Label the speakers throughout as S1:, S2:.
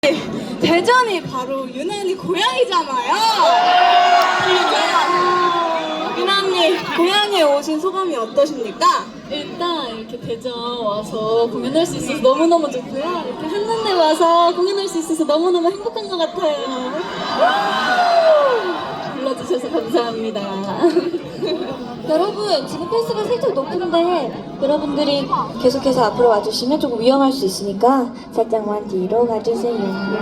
S1: 대전이 바로 유난히 고향이잖아요. 유난히 고향에 오신 소감이 어떠십니까?
S2: 일단 이렇게 대전 와서 공연할 수 있어서 너무너무 좋고요. 이렇게 한눈에 와서 공연할 수 있어서 너무너무 행복한 것 같아요. 불러주셔서 감사합니다.
S3: 여러분, 지금 페이스가 살짝 높은데 여러분들이 계속해서 앞으로 와주시면 조금 위험할 수 있으니까 살짝만 뒤로 가주세요.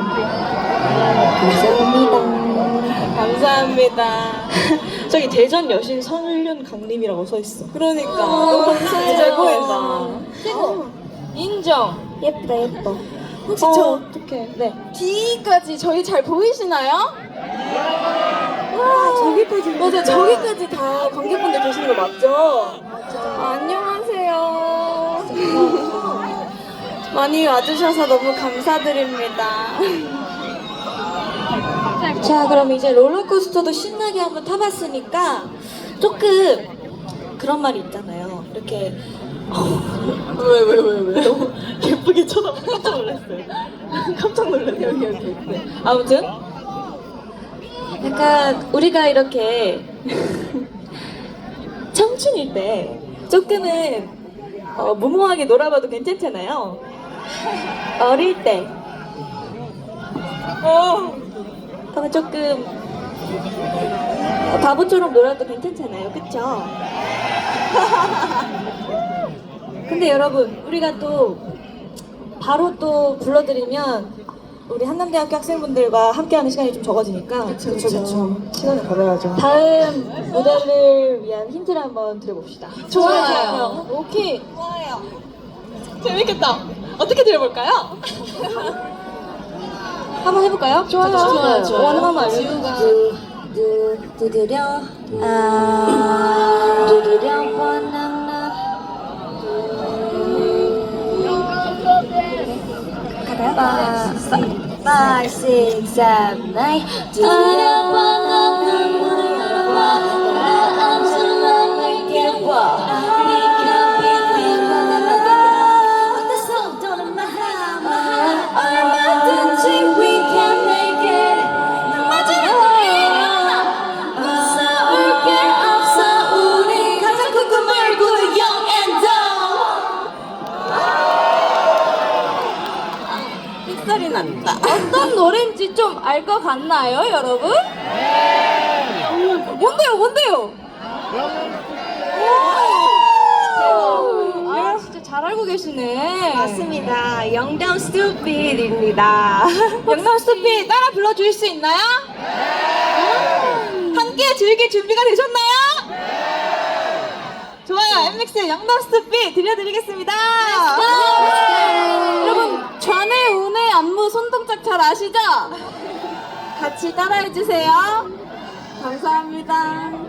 S3: 감사합니다.
S1: 감사합니다.
S4: 저기 대전 여신 선윤 강림이라고 써있어.
S1: 그러니까
S3: 감사해요.
S1: 잘 보인다.
S3: 최고.
S1: 인정.
S3: 예쁘다, 예뻐.
S1: 혹시 저
S4: 어떡해. 네.
S1: 뒤까지 저희 잘 보이시나요? 와, 저기까지. 맞아요. 저기까지 다 관객분들 계시는 거 맞죠? 안녕하세요. 많이 와주셔서 너무 감사드립니다.
S3: 자, 그럼 이제 롤러코스터도 신나게 한번 타봤으니까 조금 그런 말이 있잖아요. 이렇게
S4: 왜? 너무 예쁘게 쳐다보고 깜짝 놀랐어요. 깜짝 놀랐네. 여기. 네. 아무튼 약간 우리가 이렇게 청춘일 때 조금은 무모하게 놀아봐도 괜찮잖아요. 어릴 때 그러면 조금 바보처럼 놀아도 괜찮잖아요. 그쵸? 근데 여러분, 우리가 또 바로 또 불러드리면 우리 한남대학교 학생분들과 함께하는 시간이 좀 적어지니까
S1: 그쵸.
S4: 시간을 벌어야죠.
S3: 다음 무대를 위한 힌트를 한번 드려봅시다.
S1: 좋아요.
S3: 오케이.
S1: 좋아요.
S4: 재밌겠다. 어떻게 들어볼까요?
S3: 한번 해볼까요?
S4: 좋아요.
S3: 원하면 알려주세요. 두드려 바나나 가요? 5, 6, 7, 8 두드려 바나나 문을 열어봐 가라앉은 맘을 깨워 네가 빛낸 바나나 어디서 또는 마하 얼마든지 we can make it 무서울 게 없어 우리 가장 큰 꿈을 꾸는 young and dumb
S1: 삑살이 난다.
S3: 어떤 노래인지 좀 알 것 같나요, 여러분? 뭔데요? 아, 진짜 잘 알고 계시네.
S1: 맞습니다. 영담 스튜피드입니다.
S3: 영남 스토피 따라 불러주실 수 있나요? 함께 즐길 준비가 되셨나요? 좋아요, 엠믹스의 영남 스토피 들려드리겠습니다. 여러분, 좌뇌, 우뇌, 안무, 손동작 잘 아시죠? 같이 따라해주세요. 감사합니다.